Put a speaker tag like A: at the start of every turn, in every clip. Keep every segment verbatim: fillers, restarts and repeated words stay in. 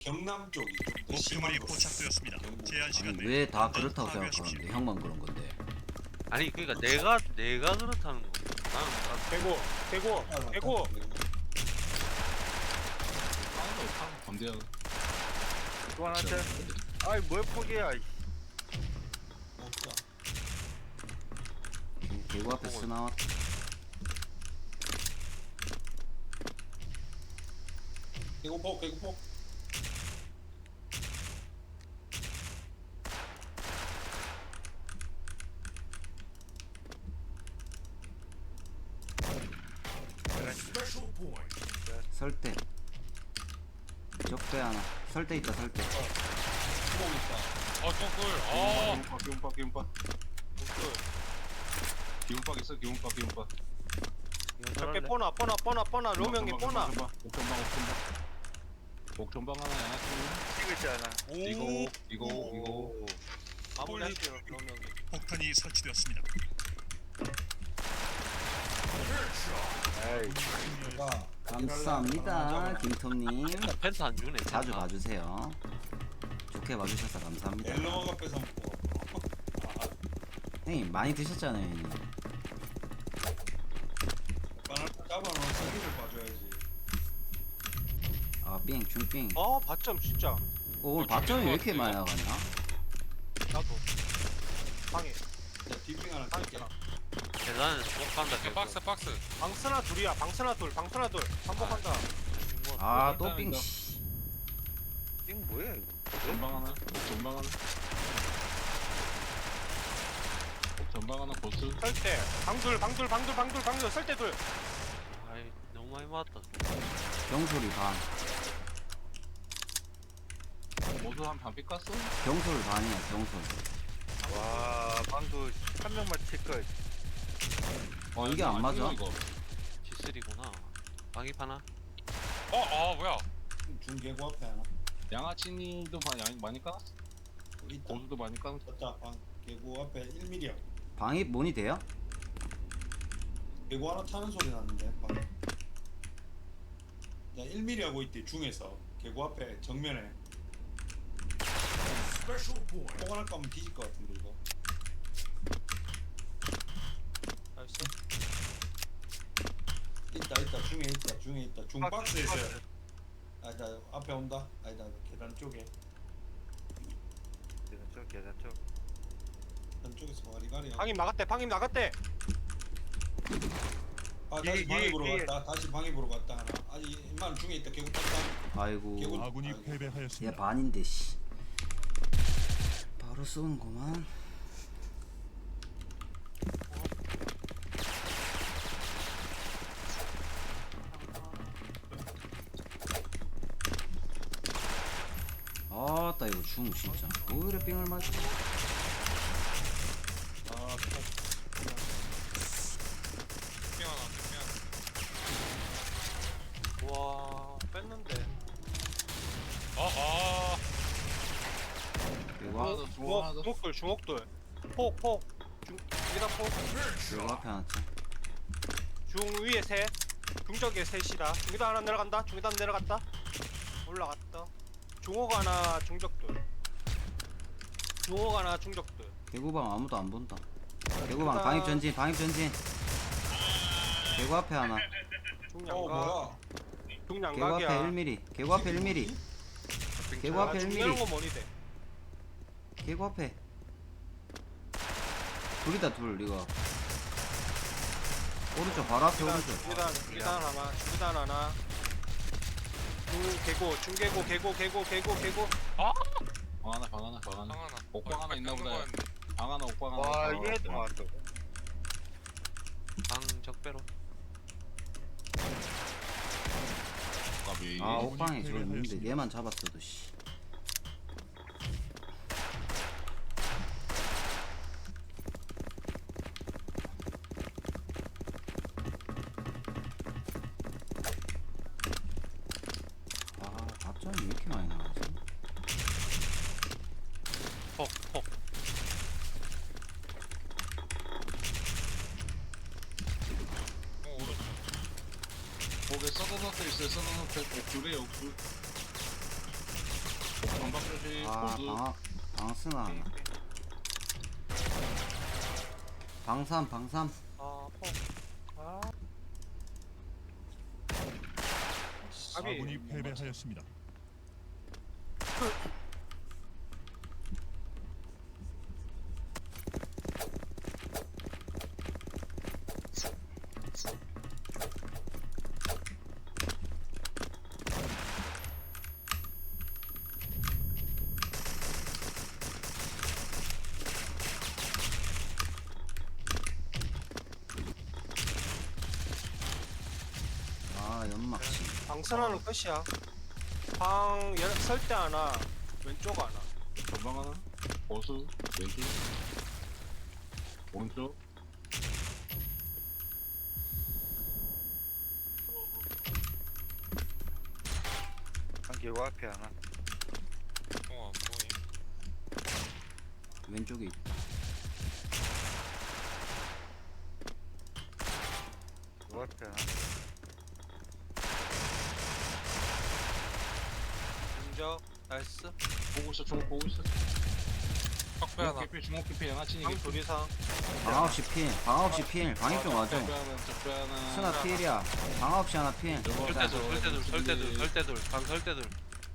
A: 경남 쪽이 좀 더
B: 목표물이
A: 심한 거.
B: 포착되었습니다.
A: 경북.
B: 제한 시간 내에
C: 왜 다
B: 완전
C: 그렇다고
B: 파괴하십시오.
C: 생각하는데 형만 그런 건데.
D: 아니 그러니까 내가 내가 그렇다는 거. 나는 난
E: 대고 대고 대고
F: 범죄야.
D: 또 하나 째. 아이 뭘 포기야. 이.
A: 없다.
C: 개구 앞에 스 나왔.
A: 개구포 개구포.
C: 설대. 적대 하나. 설대 있다 설대.
A: 구멍 있다.
F: 아, 똥꿀. 아, 기운박, 기운박. 기운박 있어, 기운박, 기운박.
E: 적게 뽀나 뽀나 뽀나 뽀나 로명이 뽀나
F: 옥전방, 옥전방. 옥전방 하나야.
D: 찍을지 않아.
F: 이거, 이거, 이거.
E: 마무리할게요 로명이.
B: 폭탄이 설치되었습니다.
D: 에이.
A: 제가
C: 감사합니다 김톰님.
D: 펜트 안 주네.
C: 자주 봐주세요. 좋게 봐주셔서 감사합니다.
A: 멜로가 뺏어 먹고.
C: 형님 많이 드셨잖아요 형님.
A: 바늘 잡아놓은 서기를 봐줘야지.
C: 아삥 중삥.
E: 아 받점 진짜
C: 오, 오늘 밥점이 왜 이렇게 많이 나가냐?
E: 나도 방해
A: 자 뒷빙 하나
E: 방해
A: 칠게.
D: 계단에 못 간다. 계속.
F: 박스, 박스.
E: 방스나 둘이야 방스나 둘 방스나 둘 반복한다.
C: 아, 또
F: 일단
C: 삥.
F: 이거.
C: 씨.
D: 이거 뭐야 이거?
F: 옥전방 하나. 옥전방 하나. 옥전방 하나 보스.
E: 설대 방둘 방둘 방둘 방둘 방둘 설대 둘.
D: 아이 너무 많이 맞았다.
C: 경솔이 반.
F: 모두 한 반피 깠어?
C: 경솔 반이야 경솔.
D: 와 방금 한 명만 칠 걸.
C: 어 이게 안 맞아?
F: 이거.
D: 지쓰리구나. 방입 하나.
F: 어, 아, 뭐야?
A: 중개구 앞에 하나.
F: 양아치님도 많이, 많이 깠어?
A: 있다.
F: 고수도 많이 깠어?
A: 졌다. 방 개구 앞에 일 밀리야.
C: 방입 뭐니 돼요?
A: 개구 하나 타는 소리 났는데 방. 야 일 밀리 하고 있대 중에서 개구 앞에 정면에. 포 하나 까면 뒤질 것 같은데 이거.
E: 나이스.
A: 있다 있다 중에 있다 중에 있다 중 박스에 있어요. 아니다 앞에 온다. 아니다 계단 쪽에
D: 계단 쪽 계단 쪽.
A: 계단 쪽에서 와리가리.
E: 방임 나갔대 방임 나갔대.
A: 아 다시
E: 이-
A: 방입으로
E: 이- 이-
A: 갔다. 다시 방입으로 갔다 하나. 아니 임마는 중에 있다. 개구 탔다.
C: 아이고
A: 개구-
B: 아군이
A: 아이고.
C: 얘
B: 패배하였습니다.
C: 반인데 씨. 바로 쏘는구만. 아따 이거 중 진짜 왜 이래 삥을 맞지?
A: 아
E: 와 뺐는데.
C: 이거
F: 하나 더, 중앙 하나 더.
E: 중옥 중옥돌 중옥돌. 폭폭 중 여기다 폭.
C: 이거 앞에 하나 쳐.
E: 중 위에 셋. 중적에 셋이다. 중기다 하나 내려간다. 중기다 하나 내려갔다. 올라갔다. 중옥 하나 중적돌. 중옥 하나 중적돌.
C: 개구방 아무도 안 본다. 개구방
E: 개구방.
C: 방입 전진 방입 전진. 개구 앞에 하나.
A: 어
E: 중량각.
A: 뭐야?
C: 개구 앞에
E: 중량각이야.
C: 일 밀리. 개구 앞에 일 밀리. 개구 앞에 일 밀리.
E: 중량거 뭐니 돼?
C: 개구 앞에. 둘이다 둘 이거. 오른쪽 바로 앞에
E: 중기단
C: 오른쪽.
E: 중기단 중기단 하나 중기단 하나. 중 개고 중개고 개고 개고 개고 개고.
F: 방 하나, 방 하나, 방 하나. 옥방 하나 있나 보다. 방 하나, 옥방 하나.
D: 와
F: 방 하나,
D: 얘도
F: 옥방 하나.
D: 왔어. 방 적배로.
F: 까비.
C: 아 옥방에 저거 있는데 얘만 잡았어도 씨. 아 밥점이 왜 이렇게 많이 나가지?
D: 폭 폭.
F: 거기 서든호텔 있어요, 서든호텔. 옥줄에 옥줄. 조심.
C: 아
F: 보수.
C: 방학 방스나 하나. 방삼 방삼.
E: 아, 포. 아, 아비.
B: 아군이 패배하였습니다.
C: 아 연막시.
E: 방선하는 끝이야. 방 설대 하나, 왼쪽 하나.
F: 전방 하나. 보수. 왼쪽. 오른쪽.
G: 한개고 앞에 하나.
H: 어, 안 보임.
C: 왼쪽에 있-
G: 요 앞에 하나.
E: 중적, 나이스.
F: 보고 있어. 주먹 보고 있어.
H: 턱배 하나.
F: 깊이 주먹 깊이 양아치니.
E: 방 둘 이상.
C: 방아홉시 필. 방아홉시 필. 방입 좀 와줘.
F: 적배 하나. 적배 하나.
C: 스나 필이야. 방아홉시 하나 필.
D: 설대돌 설대돌 설대돌 설대돌 방 설대돌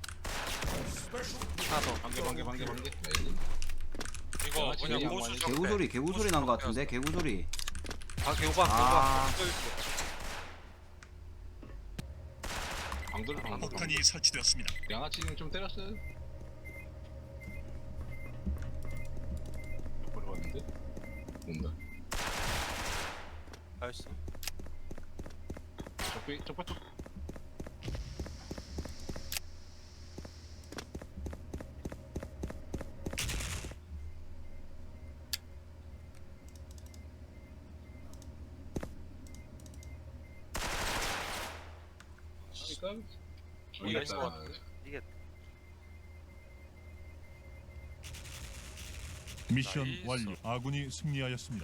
D: 하나 더.
F: 반개 반개 반개 반개.
H: 이거
F: 양아치
H: 뭐냐
F: 그냥
H: 고수
F: 양아치.
H: 적배.
C: 개구소리 개구소리 난 거 같은데 개구소리.
D: 방 개오방
C: 아
F: 방돌 방돌.
B: 폭탄이 설치되었습니다.
F: 양아치는 좀 때렸어요. 옆으로 왔는데. 온다.
E: 나이스.
F: 적배 적배 쪽. 그러니까
D: 이겼어.
G: 이겼다.
B: 미션
H: 나이스.
B: 완료. 아군이 승리하였습니다.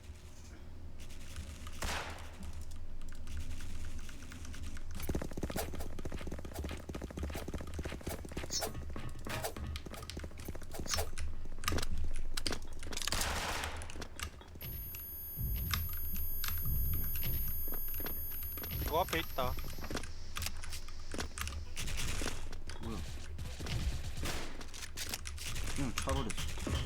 E: 그 앞에 있다.
C: 뭐야? 그냥 차버렸어.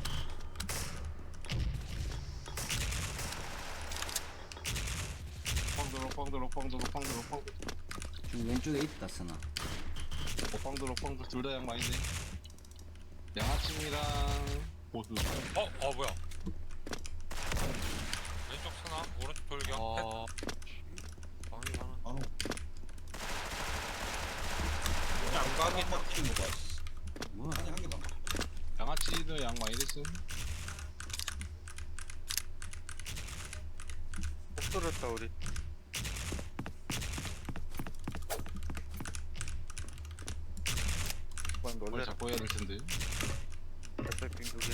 F: 옥방돌 옥방돌 옥방돌 옥방돌 옥방돌
C: 지금 왼쪽에 있다 스나.
F: 옥방돌 옥방돌 둘 다 양말이네. 양아치랑 보수.
H: 어, 어 뭐야? 왼쪽 스나, 오른쪽 돌격.
D: 어. 방이 많아.
A: 안오.
E: 양각이
A: 한 바퀴 먹어.
C: 뭐야?
A: 아니 한 개도 안 먹어.
F: 양아치도 양말 이랬음.
G: 못 들었다 우리. 번
F: 원래
G: 놀래라.
F: 잡고 해야 될 텐데.
G: 옆에 빙두개.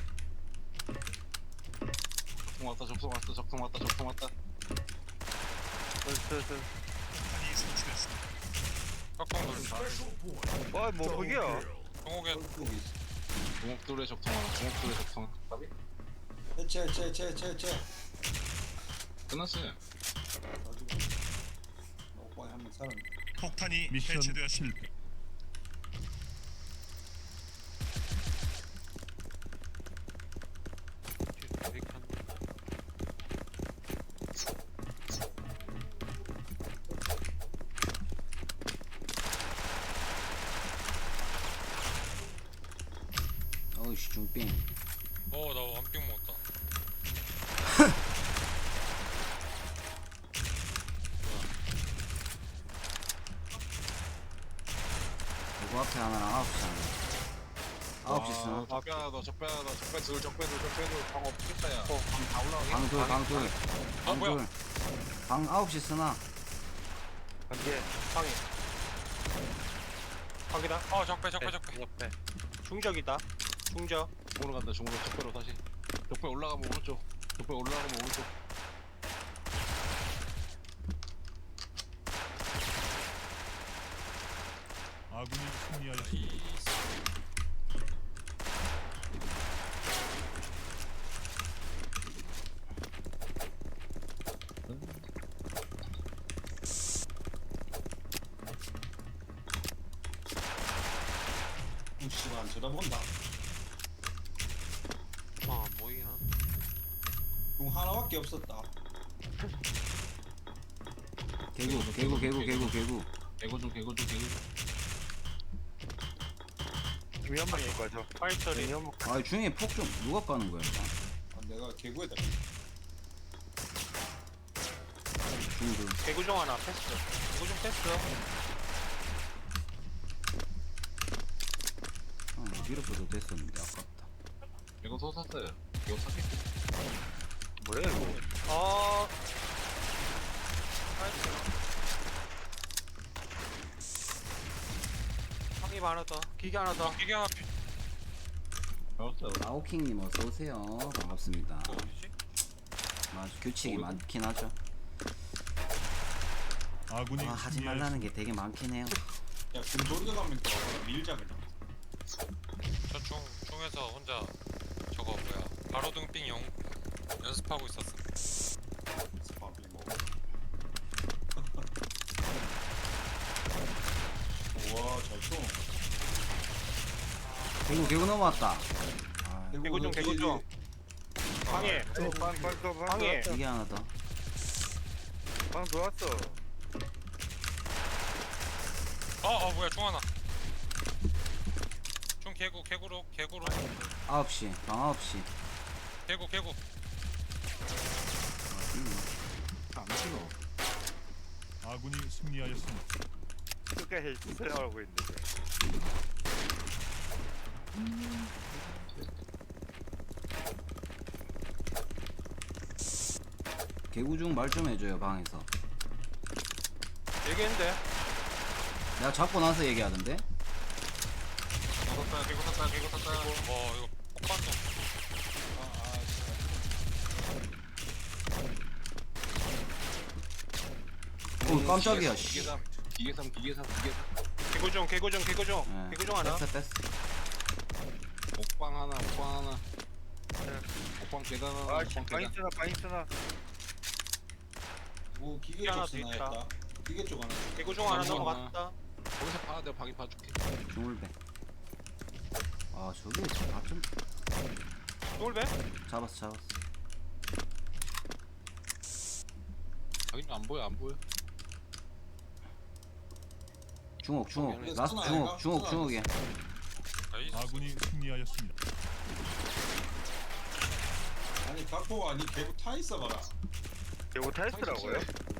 F: 적통 왔다 적통 왔다 적통 왔다 적통 왔다.
G: 슬슬슬.
B: 폭탄이 설치되었습니다.
H: 깍방 돌.
G: 와, 뭐 거기야?
H: 종옥에
A: 여기 있어.
F: 주먹돌에 적통 하나 주먹돌에 적통 하나.
A: 해체 해체 해체 해체 해체.
F: 끝났어요.
A: 가지고. 오빠에 한명 사람.
B: 폭탄이 미션 해체되었습니다. 실패.
C: 어이씨 중빙.
H: 어, 나 완빙 먹었다.
C: 요거 앞에 하나랑 아홉시 하나. 아홉시 스나.
F: 적배 하나 더 적배 하나 더 적배 둘 적배 둘 적배 둘 방 없겠다 야. 방다 올라가게.
C: 방둘 방둘
H: 어, 뭐야?
C: 방둘. 방 아홉시 스나.
G: 한 개.
E: 방이. 방이다.
H: 어, 적배, 적배, 적배.
D: 옆에
E: 중적이다. 중적.
F: 중으로 간다 중으로 적배로 다시. 적배 올라가면 오른쪽. 적배 올라가면 오른쪽.
B: 아군이 승리하였습니다.
H: 나이스.
A: 씨발 안 쳐다본다.
D: 아 뭐이나.
A: 중 하나밖에 없었다.
C: 개구 개구 개구 개구 개구.
F: 개구 중 개구 중 개구.
G: 중이 한 마리 가죠.
E: 파이터리.
G: 중이 한 마리.
C: 아 중에 폭 좀 누가 까는 거야 일단.
A: 아, 내가 개구에다.
C: 중들.
E: 개구종 하나 패스. 개구종 패스.
C: 아 밀어줘도 됐었는데 아깝다.
F: 개구 소 샀어요. 개구 샀겠지.
G: 뭐야 이거?
E: 어. 파이터. 확인 하나 더. 기계 하나 더.
H: 기계 하나 피.
F: 배웠어요.
C: 라오킹님 어서 오세요. 반갑습니다.
H: 어, 어디지?
C: 맞아 규칙이
F: 어이구.
C: 많긴 하죠.
B: 아군이
C: 아 하지 말라는 게 되게 많긴 해요.
A: 야 금돌이가 가면 또 밀자 그냥.
H: 저중 중에서 혼자 저거 뭐야 바로 등빙 영 연습하고 있었음.
A: 밥이 뭐. 우와 잘 쳐.
C: 개구 개구 넘어왔다. 아
E: 개구종 개구종. 방해.
G: 빵빵
E: 방해.
C: 이게 하나 더.
G: 빵 들어왔어.
H: 어어 뭐야 중 하나. 중 개구 개구로 개구로
C: 아홉 시 방 아홉 시.
H: 개구 개구.
F: 안 찍어.
B: 아군이 승리하였습니다.
G: 끝까지 생각하고 있는데.
C: 개구 중 말 좀 해줘요 방에서.
E: 얘기했는데.
C: 내가 잡고 나서 얘기하던데.
F: 개구 샀다. 개구 샀다. 개구 샀다.
H: 와 이거 폭반도.
C: 오 깜짝이야.
F: 기계
C: 씨.
F: 삼. 기계 삼. 기계 삼. 기계 삼.
E: 개구종 개구종 개구종.
C: 예.
E: 개구종 하나.
C: 뺐어 뺐어.
F: 옥방 하나. 옥방 하나. 옥방 계단 하나.
G: 아씨
F: 옥방
G: 방이
F: 계단.
G: 쓰나 방이 쓰나.
A: 뭐 기계
E: 하나
A: 쪽
E: 더 있다.
A: 쓰나였다. 기계 쪽 하나.
E: 개구종 하나
F: 개구종
E: 넘어갔다.
F: 거기서 봐. 내가 방이 봐줄게.
C: 중울배. 아 저게 아좀
E: 돌배?
C: 잡았어 잡았어.
F: 방이 안 보여. 안 보여.
C: 중옥 중옥
A: 거기에
C: 라스트
A: 쓰나
C: 중옥
A: 아이가?
C: 중옥
A: 쓰나
C: 중옥이야.
H: 나이스.
B: 아군이 승리하였습니다.
A: 아니 각포가 아니 개구 타 있어 봐라.
G: 이거 타이스라고요?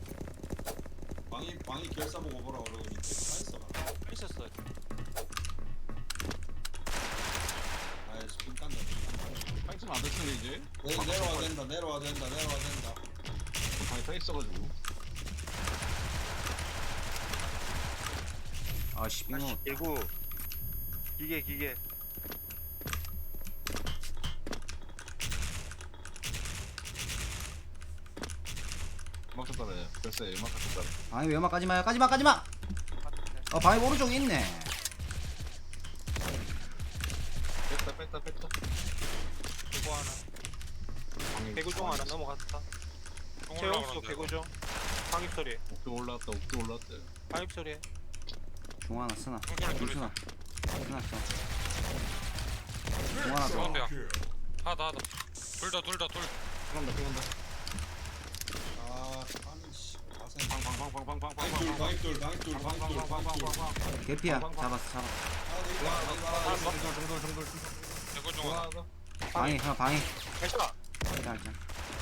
A: 방이 방이 결사 보고 보라 그러고 개구 타 있어 봐라.
E: 있었어.
A: 아이 스핀 깐다.
F: 방이 쓰면 안 됐으면 이제.
A: 내, 내려와 된다 내려와 된다 내려와 된다.
F: 방이 타 있어가지고.
C: 아씨 빙어.
G: 개구. 기계 기계.
F: 음악 쳤다래. 글쎄 음악 쳤다래.
C: 방이 외마 까지마요 까지마 까지마. 어 방이 오른쪽에 있네.
F: 뺐다 뺐다 뺐다.
E: 개구 하나.
F: 방이
E: 개구종 하나 넘어갔다.
H: 중
E: 최용수
H: 올라가는데.
E: 개구종. 방입 소리.
F: 옥도 올라왔다. 옥도 올라왔다.
E: 방입 소리.
C: 중 하나 쓰나.
H: 중소리 둘이
C: 중순아. 쓰나 써. 중 하나 더.
H: 가운데야. 하다 하다. 둘 다 둘 다 둘.
F: 들어간다 들어간다.
A: 아 아니 씨. 가슴.
F: 방방방방방방방.
A: 방입돌 방입돌 방입돌 방입돌 방입돌.
C: 개피야 잡았어 잡았어.
A: 아 내가
F: 아,
A: 내가
F: 정돌 정돌 정돌.
H: 개구 중 하나.
F: 좋아.
C: 방이 하나 방이.
E: 해셔.
C: 짤 짤.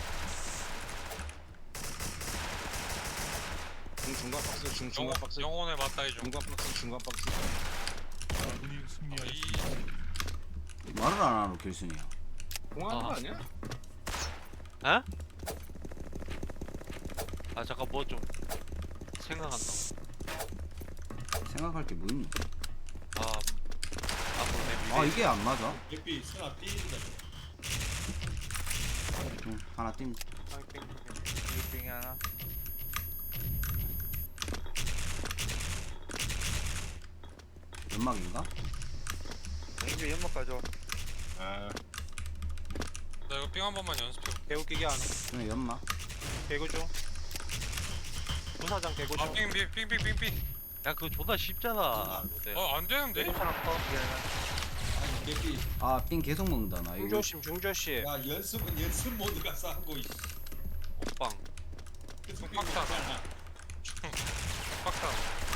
F: 중 중간 박스 중 중간
H: 영혼
F: 박스.
H: 영혼에 맞다 이중.
F: 중간 박스 중간 박스.
B: 아군이 승리하였습니다.
H: 이
C: 말을 안 하노 길순이야.
F: 공하는 거
D: 아.
F: 아니야?
D: 에? 아 잠깐 뭐 좀 생각한다.
C: 생각할 게 뭐 있니?
D: 아 앞으로 내 미래.
C: 아 이게 안 맞아?
A: 개피 스나 삐인다.
C: 중 하나 뛴.
E: 방입 빙.
G: 빙 하나.
C: 연막인가?
G: 이게 연막 가져.
F: 아.
H: 나 이거 삥 한 번만 연습해.
E: 개구 기계 하나.
C: 중에 연막.
E: 개구종. 부사장 개구종.
H: 아삥삥삥삥삥삥.
D: 야 그거 존나 쉽잖아. 로데.
H: 어안 되는데?
E: 개구 하나 커.
G: 기계 하나.
A: 개피.
C: 아삥 계속 먹는다 나 이거.
E: 중조심 중조심.
A: 야 연습은 연습 모드가 싸고 있어.
D: 오빵.
A: 계속
H: 빡
A: 뛰고 있잖아.
H: 빡다.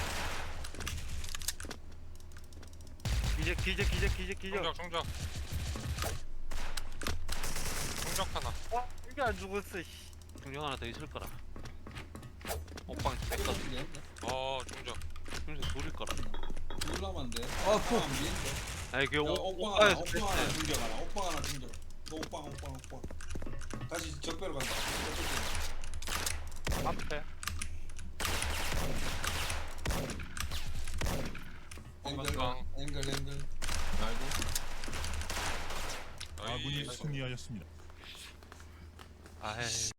G: 기적 기적 기적 기적 기적.
H: 중적 중적. 중적 하나.
G: 어? 이게 안 죽었어. 씨.
D: 중정 하나 더 있을 거라. 오빵 뺐거든.
A: 떨어지게.
H: 어 중적.
D: 중정 둘일 거라.
A: 놀라면 안 돼.
C: 어, 푸.
A: 안 미인데.
D: 아니 그
A: 야,
D: 오,
A: 오빵 하나,
D: 오빵에서
A: 오빵 하나
D: 뺐어.
A: 중적 하나, 오빵 하나 중적. 너 오빵, 오빵, 오빵. 다시 적배로 간다.
E: 앞에.
A: 앵글,
H: 오빵.
A: 앵글, 앵글.
B: 아군이 승리하였습니다.
D: 아이.